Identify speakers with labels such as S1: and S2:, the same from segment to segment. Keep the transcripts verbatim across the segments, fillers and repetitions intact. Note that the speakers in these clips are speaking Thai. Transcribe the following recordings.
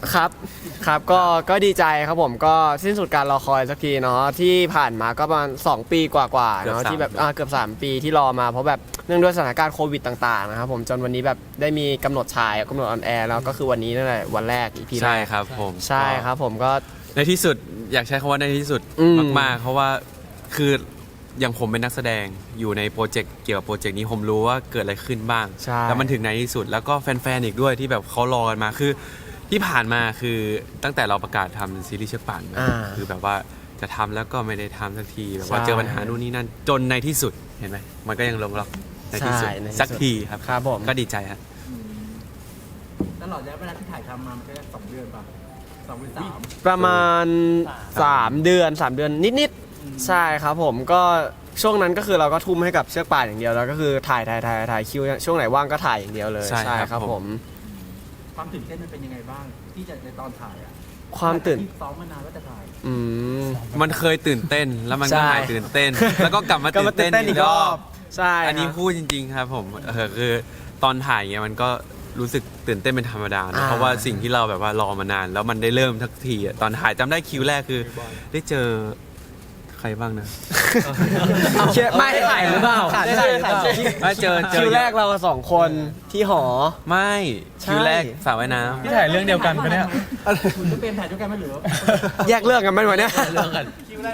S1: ครับครับก็ก็ดีใจครับผมก็สิ้นสุดการรอคอยสักทีเนาะที่ผ่านมาก็ประมาณสองปีกว่าๆเนาะที่แบบอ่าเกือบสามปีที่รอมาเพราะแบบเนื่องด้วยสถานการณ์โควิดต่างๆนะครับผมจนวันนี้แบบได้มีกำหนดฉายกำหนดออนแอร์แล้วก็คือวันนี้นั่นแหละวันแรกอีพีแรก
S2: ใช่ครับผม
S1: ใช่ครับผมก็
S2: ในที่สุดอยากใช้คำว่าในที่สุด
S1: อืม
S2: มากๆเพราะว่าคืออย่างผมเป็นนักแสดงอยู่ในโปรเจกต์เกี่ยวกับโปรเจกต์นี้ผมรู้ว่าเกิดอะไรขึ้นบ้าง
S1: ใช่
S2: แล้วมันถึงในที่สุดแล้วก็แฟนๆอีกด้วยที่แบบเขารอกันมาคือที่ผ่านมาคือตั้งแต่เราประกาศทำซีรีส์เชือกป่านมา
S1: อ่า
S2: คือแบบว่าจะทำแล้วก็ไม่ได้ทำสักทีแบบว่า
S1: ใช่
S2: เจอปัญหานู่นนี่นั่นจนในที่สุดเห็นไหมมันก็ยังลงล็อกในที่สุด
S1: ใช่ในที่สุด
S2: สักทีครับ
S1: ครับผม
S2: ก็ดีใจครับ
S3: ตลอดระยะเวลาที่ถ่ายทำมามันก็สองเดือนป่ะสองหรือสาม
S1: ประมาณสามเดือนสามเดือนนิดๆใช่ครับผมก็ช่วงนั้นก็คือเราก็ทุ่มให้กับเชือกป่านอย่างเดียวแล้วก็คือถ่ายถ่ายถ่ายถ่ายคิวช่วงไหนว่างก็ถ่ายอย่างเดียวเลย
S2: ใช่ครับ
S1: ครับ
S2: ผ
S1: ผม ม
S3: ความตื่นเต้นมันเป็นยังไงบ้าง ที่จะในตอนถ่ายอ่ะ
S1: ความตื่น
S3: ที่ซ้อมมานานว่าจะถ่าย
S1: อืม
S2: มันเคยตื่นเต้นแล้วมันก็
S1: ใช่
S2: หายตื่นเต้น แล้วก็กลับมา
S1: ก็
S2: ตื่
S1: มาน ตื่
S2: เต้
S1: น
S2: น
S1: เต้นอี
S2: อี
S1: ก
S2: ก
S1: ร
S2: ร
S1: อ
S2: อ
S1: บบ ใช่
S2: อันนี้
S1: ครับ
S2: พูดจริงๆครับผมเออคือตอนถ่ายเงี้ยมันก็รู้สึกตื่นเต้นเป็นธรรมดานะ
S1: อ่า
S2: เพราะว่าสิ่งที่เราแบบว่ารอมานาน แล้วมันได้เริ่มทักทีอะตอนถ่ายจำได้คิวแรกคือ ได้เจอใครบ้างนะ
S1: เชื่อไม่ถ่ายหรือเปล่า
S4: ขาดใจหรือเปล่า
S2: ไม่เจอเจอ
S1: คิวแรกเราสองคนที่หอ
S2: ไม่
S1: ใช่
S2: คิวแรกสาวว่ายน้
S4: ที่ถ่ายเรื่องเดียวกันปะเนี่ย
S3: คุณจะเป็นถ่ายด้วยกันไหมหรือว่า
S1: แยกเรื่องกันไหมวะเนี่ย
S2: ำเรื่องกัน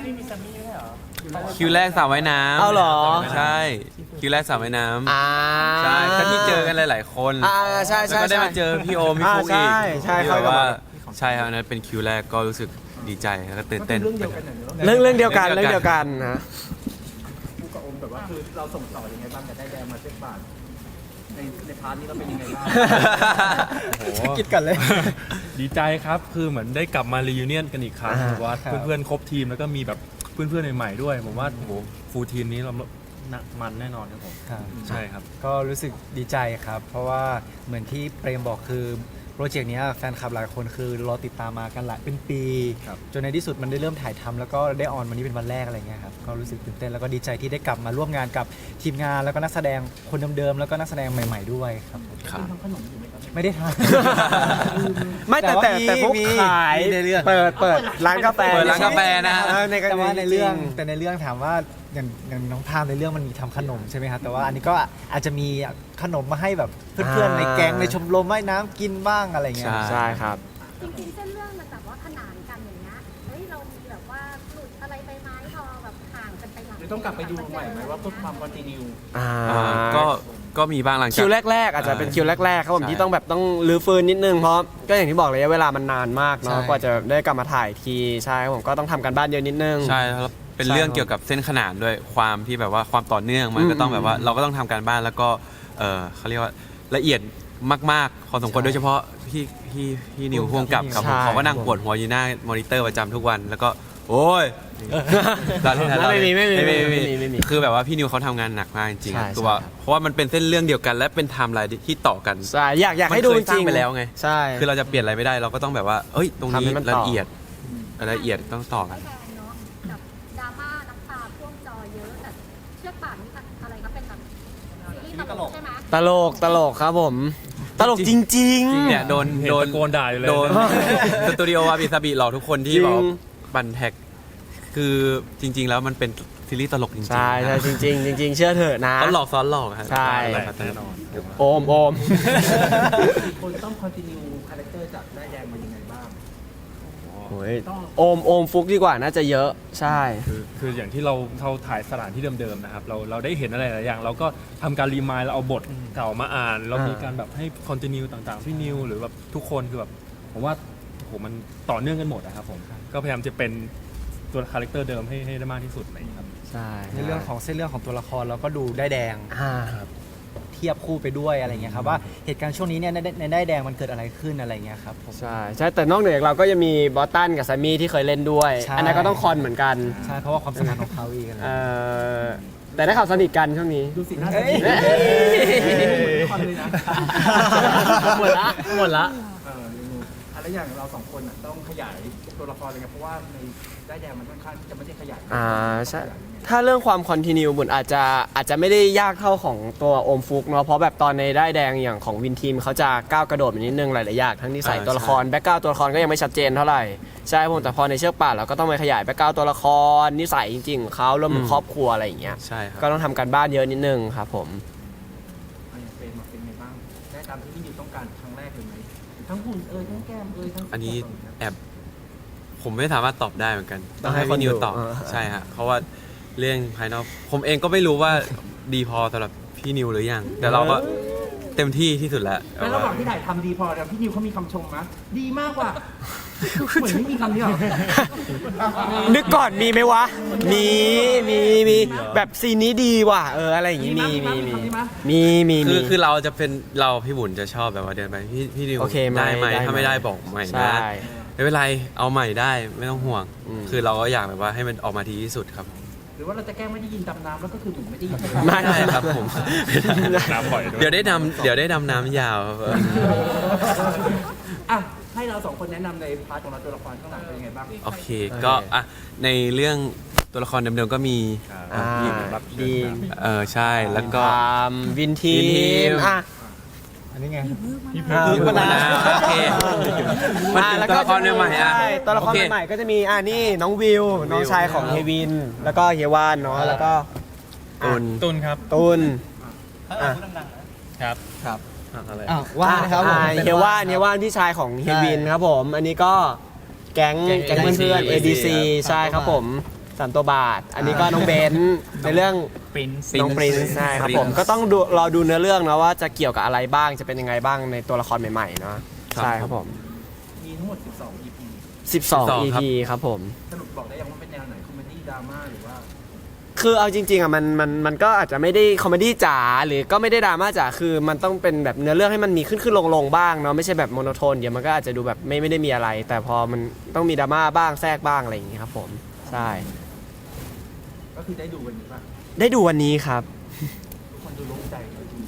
S2: คิวแรกสาวว่ายน้ำ
S1: เอาเหรอ
S2: ใช่คิวแรกสาวว่ายน้ำ
S1: อ่า
S2: ใช่ก็ที่เจอกันหลาย ๆ คน
S1: อ่าใช่
S2: แล้ว
S1: ใช่
S2: ก็ได้
S1: ใช่
S2: มาเจอพี่โอมพี่ฟุก
S1: อ่า
S2: อีก
S1: ใช่ใช่
S2: ที่
S1: เขา
S2: แบบ
S1: ก็
S2: ว่า
S1: บอก
S2: ใช่ครับอันนั้นเป็นคิวแรกก็รู้สึกดีใจแล้วก็ตื่น
S3: มันเป็
S2: เต้
S3: น
S2: น
S3: เรื่องเดียวกันเหรอ
S1: เรื่องเรื่องเดียวกัน
S2: เรื่
S1: เรื่อง
S2: องเดี
S1: เดี
S2: ย
S1: ยว ว
S2: กั
S1: กัน นนะ
S3: ผู้กับอมแบบว่าคือเราส่งต่อยังไงบ้างจะได้แดงมาเส้นบาทในในพาร์ทนี้เราเป็นยังไงบ้าง
S1: คิดกันเลย
S4: ดีใจครับ คือเหมือนได้กลับมา รียูเนียนกันอีกครั้ง
S1: อ่า
S4: แบบว่า
S1: ครับ
S4: เพื่อนๆครบทีมแล้วก็มีแบบเพื่อนๆใหม่ๆด้วย ผมว่าโอ้โหฟูลทีมนี้เราหนักมันแน่นอนครับผม
S5: ครับ
S4: ใช่ครับ
S5: ก็รู้สึกดีใจครับ เพราะว่าเหมือนที่เปรมบอกคือโปรเจกต์เนี้ยแฟนคลับหลายคนคือรอติดตามมากันหลายเป็นปี
S4: ครับ
S5: จนในที่สุดมันได้เริ่มถ่ายทำแล้วก็ได้ออนวันนี้เป็นวันแรกอะไรเงี้ยครับก็รู้สึกตื่นเต้นแล้วก็ดีใจที่ได้กลับมาร่วมงานกับทีมงานแล้วก็นักแสดงคนเดิมๆแล้วก็นักแสดงใหม่ ๆด้วยครับผม
S2: ครับ
S3: ทำขนมอยู่ไหมครับ
S5: ไม่ได้ทาน
S1: ไม่แต่แต่แต่พวก
S5: มี
S1: ขาย
S5: มีในเรื่อง
S1: เปิดเปิดร้านกาแฟ
S2: เปิดร้านกาแฟนะฮะ
S1: เออใน
S5: แต่ว่าในเรื่อง
S1: จริ
S5: แต่ในเรื่องถามว่าอย่างอย่างน้องพามในเรื่องมันมีทำขนมใช่ไหมครับแต่ว่าอันนี้ก็อาจจะมีขนมมาให้แบบเพื่อนๆในแก๊งในชมรมว่ายน้ำกินบ้างอะไรเงี้ย
S2: ใช่
S1: ใช่ครับ
S6: จริงๆเส้นเรื่องมันแบบว่าขนานกันอย่างเงี้ย เฮ้ยเรามีแบบว่าหลุดอะไรไปไหมพอแบบห่างกันไปหลัง
S3: เดี๋ยวต้องกลับไปดูใหม่ไหมว่าเพื่อความคอนติเนีย
S1: อ่า
S2: อ่าก็ก็มีบ้างหลังจาก
S1: คิวแรกๆ อาจจะเป็นคิวแรกๆครับผม
S2: ใช่
S1: ที่ต้องแบบต้องรื้อฟื้นนิดนึงเพราะก็อย่างที่บอกระยะเวลามันนานมากเนาะ
S5: ใช่
S1: กว่าจะได้กลับมาถ่ายทีใช่ครับผมก็ต้องทำกันบ้านเยอะนิดนึง
S2: ใช่แล้วเป็น
S1: ใช่
S2: เรื่อง
S1: ครับ
S2: เกี่ยวกับเส้นขนานด้วยความที่แบบว่าความต่อเนื่องมันก็
S1: อืม
S2: ต้องแบบว่าเราก็ต้องทำการบ้านแล้วก็เออเขาเรียกว่าละเอียดมากๆพอสมควร
S5: ใช่
S2: โดยเฉพาะพี่พี่พี่นิว
S5: ร่
S2: พ่
S5: ว
S2: ว
S5: ม
S2: ง
S5: กั
S2: กั
S5: บบ
S2: ครับ
S1: ใช่
S2: ผมเขาก็นั่ง
S1: ครับ
S2: ปวดหัวอยู่หน้ามอนิเตอร์ประจำทุกวันแล้วก็โอ้ยเราเล่นนะเรา
S1: ไม่
S2: เล่น
S1: มีไม่มี
S2: ไม่
S1: ไม่
S2: มี
S1: มี
S2: ไม่
S1: ไม่มี
S2: มีคือแบบว่าพี่นิวเขาทำงานหนักมากจริง
S1: ใช่
S2: ๆตัว
S1: ใช่ครับ
S2: เพราะว่ามันเป็นเส้นเรื่องเดียวกันและเป็นไทม์ไลน์ที่ต่อกัน
S1: ใช่อยากอยาก
S2: มัน
S1: ให้ดู
S2: เค
S1: จ
S2: ยสร้า
S1: ริ
S2: ง
S1: ง
S2: ไปแล้วไง
S1: ใช่
S2: คือเราจะเปลี่ยนอะไรไม่ได้เราก็ต้องแบบว่าเอ้ยตรงนี้
S1: ทำให้มันต่อ
S2: ละเอียดละเอียดต้องต่อกัน
S6: ไม่แรงเนาะแบบดราม่าน้ำตาท่วมจอเยอะแต่เชือกป่านนี่อะไรครับเป็นแบบซีรีส์ตลกใช่ไหม
S1: ตลกตลกครับผม ตลกจริงๆ
S2: เนี่ยโดน
S4: เห็น
S2: โดน
S4: ตะโกนด่าอยู่เลย
S2: โดน สตูดิโอวาบิซาบิหลอกทุกคนที่
S1: จริง
S2: บอกบันแท็กคือจริง ๆ แล้วมันเป็นซีรีส์ตลกจริงๆ
S1: ใช่ใช่
S2: นะ
S1: จริงๆจริง ๆ เชื่อเถอะนะ
S2: เขาหลอกซ้อนหลอกครับ
S1: ใช่
S2: หลอก
S4: แน่นอน
S1: โอมโอม
S3: คนต้องคอนติเนียคาแรคเตอร์จากได้แดงมายังไงบ้าง
S1: โอ้ยโอมโอมฟุกดีกว่าน่าจะเยอะใช่
S4: คือคืออย่างที่เราเราถ่ายสถานที่เดิมๆนะครับเราเราได้เห็นอะไรหลายอย่าง เราก็ทำการรีมายเราเอาบทเก่ามาอ่าน เรามีการแบบให้คอนติเนียต่างๆพี่นิวหรือแบบทุกคนคือแบบผมว่าโอ้โหมันต่อเนื่องกันหมดนะครับผมก็พยายามจะเป็นตัวคาแรคเตอร์เดิมให้ให้ได้มากที่สุดอะไรอย่างเงี้ยครับ
S1: ใช่
S5: ในเรื่องของเส้นเรื่องของตัวละครเราก็ดูได้แดง
S1: อ่า
S5: เทียบคู่ไปด้วยอะไรเงี้ยครับว่าเหตุการณ์ช่วงนี้เนี่ยในในได้ายแดงมันเกิดอะไรขึ้นอะไรเงี้ยครับผม
S1: ใช่ใช่แต่นอกเหนือจากเราก็ยังมีบอสตันกับแซมมี่ที่เคยเล่นด้วย
S5: ใช่
S1: อันนั้นก็ต้องคอนเหมือนกัน
S5: ใช่เพราะว่าความสัมพันธ์ของเขาอีกอะไร
S1: เอ่อแต่ได้ข่าวสนิทกันช่วงนี้
S3: ดูสิหน้าส
S5: เอ้ย
S3: คอนเลยนะ
S1: หมดละหมดละ
S3: เอออะไรแล้วอย่างเราสองคนอ่ะต้องขยายตัวละครอะไรเงี้ยเพราะว่าในได้แดงมันค่อนข้างที่จะไม่ได้ขยาย
S1: อ่าใช่
S3: ขยายยังไง
S1: ถ้าเรื่องความคอนติเนียบุญอาจจะอาจจะไม่ได้ยากเท่าของตัวโอมฟุกเนาะเพราะแบบตอนในได้ายแดงอย่างของวินทีมเขาจะก้าวกระโดดไปนิดนึงหลายๆอย่างทั้งนิสัย
S2: อ่า
S1: ตัวละคร
S2: ใช่
S1: แบ็กกราวตัวละครก็ยังไม่ชัดเจนเท่าไหร่ใช่ผมแต่พอในเชือกป่านเราก็ต้องไปขยายแบ็กกราวตัวละครนิสัยจริงๆของเขารวมถึง
S2: อืม
S1: ครอบครัวอะไรอย่างเงี้ย
S2: ใช่ครับ
S1: ก็ต้องทำการบ้านเยอะนิดนึงครับผม
S3: อ่ะอย่างเฟรมอะเป็นไงบ้างได้ตามที่พี่นิวต้องการครั้งแรกเลยไหมทั้งหุ่นเอ่ยทั้งแก้มเอ่ยทั้ง
S2: อันนี้
S3: ตัวต
S2: แอบผมไม่สามารถตอบได้เหมือนกัน
S1: ต้
S2: ต้
S1: อ
S2: อง ง
S1: ให้
S2: ให้พี่นิว
S1: คนดู
S2: ตอบ
S1: เออ
S2: ใช่ฮะเพราะว่าเรื่องภายนอกผมเองก็ไม่รู้ว่าดีพอสำหรับพี่นิวหรือยังแต่เราก็เต็มที่ที่สุดแล้ว
S3: แล้วระหว่างที่ถ่ายทำดีพอแล้วพี่นิวเขามีคำชมมะดีมากกว่าเหมือนไม่มีคำนี้หรอ
S1: นึกก่อนมีไหมวะ มีมีมีแบบซีนนี้ดีว่ะเอออะไรอย่างงี้มีมีมีมีมี
S2: คือ
S1: มี
S2: คือเราจะเป็นเราพี่บุญจะชอบแบบว่าเดินไปพี่พี่นิว
S1: โอเคไหม
S2: ได้ไหม
S1: ได้ไหม
S2: ถ้าไม่ได้บอกใหม่
S1: ใช่
S2: นะไม่เป็นไรเอาใหม่ได้ไม่ต้องห่วง
S1: อืม
S2: คือเราก็อยากแบบว่าให้มันออกมาดีที่สุดครับ
S3: หรือว่าเราจะแกล้งไม่ได้ยินดำน้ำแล้วก็คือเหมือนไม่ได้ยินเลย
S1: ไม่
S2: ได้ครับผม
S4: น้ำบ่อยด้วย
S2: เดี๋ยวได้ดำเดี๋ยวได้ดำน้ำยาวครับ
S3: อ่ะให้เราสองคนแนะนำในพาร์ทของเราตัวละครข้างหลังเป็นยังไงบ้าง
S2: โอเคก็อ่ะในเรื่องตัวละครเดิมๆก็มี
S1: อ่า
S4: รับ
S1: ดี
S2: เออใช่แล้วก็
S1: ตามวินที
S2: วินทีม
S1: มอ่ะ
S5: อันนี้ไง
S1: อ่า
S2: พี่มะนาวโอเคมัน
S1: อ่ะ
S2: เป็น
S1: แล้ว
S2: ตัว
S1: ก็
S2: ละครใหม่ๆอ่ะ
S1: ใช่ตัวละคร
S2: โอเค
S1: ใหม่ๆก็จะมีอ่านี่น้องวิว น้องชายของเฮวิน แล้วก็เฮวานเนาะแล้วก็
S2: ตุน
S4: ตุนครับ
S1: ตุน
S4: ครับ
S5: ครับ
S4: อะไร
S5: อ้าวว่านะครับผม
S1: อ่า
S5: ป็น
S1: เฮวานเฮวานพี่ชายของเฮวินครับผม อันนี้ก็แก๊ง
S5: แก๊ง
S1: แก๊งเพื่อนๆ เอ ดี ซี ใช่ครับผมสามตัวบาท อันนี้ก็น้องเบนซ์ในเรื่อง
S5: ปรินซ์
S1: น้องปรินซ์ใช่ครับผมก็ต้องดูรอดูเนื้อเรื่องนะว่าจะเกี่ยวกับอะไรบ้างจะเป็นยังไงบ้างในตัวละครใหม่ๆเนาะ
S2: ครับ
S1: ใช่ครับผม
S3: มีทั้งหมดสิบสอง อี พี
S1: สิบสอง
S2: สิบสอง
S1: อี
S2: ครับ
S1: พีครับผม
S3: สรุปบอกได้ยังว่าเป็นแนวไหนคอมเมดี้ดราม่าหรือว่า
S1: คือเอาจริงๆอ่ะมันมันมันก็อาจจะไม่ได้คอมเมดี้จ๋าหรือก็ไม่ได้ดราม่าจ๋าคือมันต้องเป็นแบบเนื้อเรื่องให้มันมีขึ้นขึ้นลงลงบ้างเนาะไม่ใช่แบบโมโนโทนเดี๋ยวมันก็อาจจะดูแบบไม่ไม่ได้มีอะไร แต่พอมันต้องมีดราม่าบ้างแทรกบ้างอะไรอย่างงี้ครับผมใช่
S3: ก็คือได้ดูวันนี้ป่ะ
S1: ได้ดูวันนี้ครับ
S3: ทุกคนดูโล่งใจเลยจริง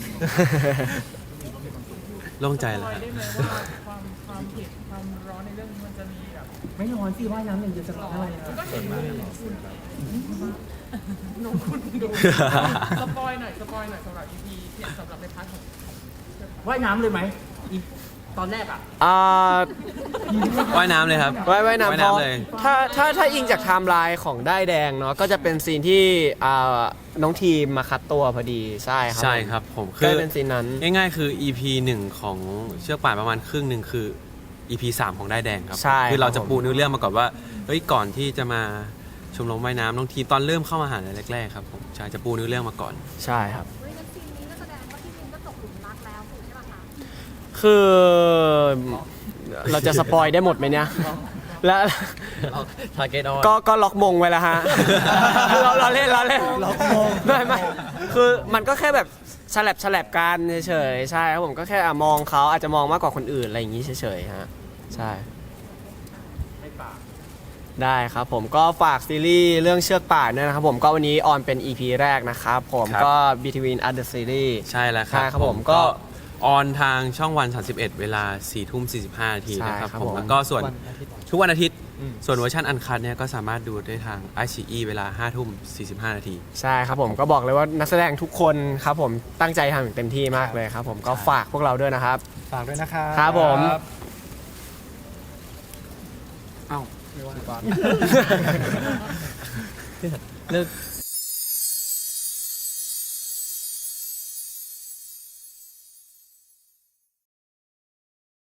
S2: โล่งใจแล้วครับ
S7: ได้ไหมว่าความความเผ็ดความร้อนในเรื่องนี้มันจะมีแบบ
S3: ๆไม่ร้อนสิว่ายน้ำอย่างเดียวจะร้อนอะไรนะ
S7: ก็เห็นอยู่คุณหนูคุณดูสปอยหน่อยสปอยหน่อยสำหรับ อี พี เผ็ดสำหรับในพาร์ทของ
S3: ว่ายน้ำเลยไหมอีตอนแรกอ่ะ
S1: อ่า
S2: ว่ายน้ำเลยครับ
S1: ไว้ไว้น้ำ
S2: ว่าย
S1: เพราะ
S2: น้ำเลย
S1: ถ้าถ้าถ้าอิงจากไทม์ไลน์ของได้ายแดงเนาะก็จะเป็นซีนที่อ่าน้องทีมมาคัดตัวพอดีใช่ครับ
S2: ใช่ครับผม
S1: ก็
S2: คือ
S1: เป็นซีนนั้น
S2: ง่ายๆ คือ อี พี หนึ่งของเชือกป่านประมาณครึ่งหนึ่งคือ อี พี สามของได้ายแดงครับ
S1: ใช่
S2: คือเราจะ
S1: ครับผม
S2: ปูเนื้อเรื่องมาก่อนว่าเฮ้ยก่อนที่จะมาชมรมว่ายน้ำน้องทีตอนเริ่มเข้ามาหาลัยแรกๆครับผมใช่จะปูเนื้อเรื่องมาก่อน
S1: ใช่ครับ
S6: เฮ้ยงั้นซีนนี้ก็แสดงว่าพี่มินก็ตกหลุมรักแล้วถูกใช่ไหมคะ
S1: คือเราจะสปอยได้หมดไหมเนี่ย แล้ว
S5: ทาร์เก็ตออน
S1: ก็ก็ล็อกมงไว้แล้วฮะ คือเราเราเล่นเราเล่นล็อกมงไม่ไม่คือมันก็แค่แบบฉลับฉลับกันเฉยๆใช่ครับผมก็แค่อ่ะมองเขาอาจจะมองมากกว่าคนอื่นอะไรอย่างนี้เฉยๆฮะใช่
S3: ให้ปาก
S1: ได้ครับผมก็ฝากซีรีส์เรื่องเชือกป่านด้วยนะครับผมก็วันนี้ออนเป็น อี พี แรกนะครับผม
S2: ครับ
S1: ก็ Between Other Series
S2: ใช่แล้วครับ
S1: ใช่ครับผมก็
S2: ออนทางช่องวันสามสิบเอ็ดเวลาสี่ทุ่มสี่สิบห้านาทีนะครับ
S1: ใช่ครับ
S2: ผม
S1: ผม
S2: แล้วก็ส่วน
S5: วันอาทิตย์
S2: ทุกวันอาทิตย์ ส่วนเวอร์ชันอันคัดเนี่ยก็สามารถดูได้ทาง ไอ ซี อี เวลาห้าทุ่มสี่สิบห้านาที
S1: ใช่ครับผมก็บอกเลยว่านักแสดงทุกคนครับผมตั้งใจทำอย่างเต็มที่มากเลยครับผมก็ฝากพวกเราด้วยนะครับ
S5: ฝากด้วยนะครับ
S1: ครับผม
S5: เลิก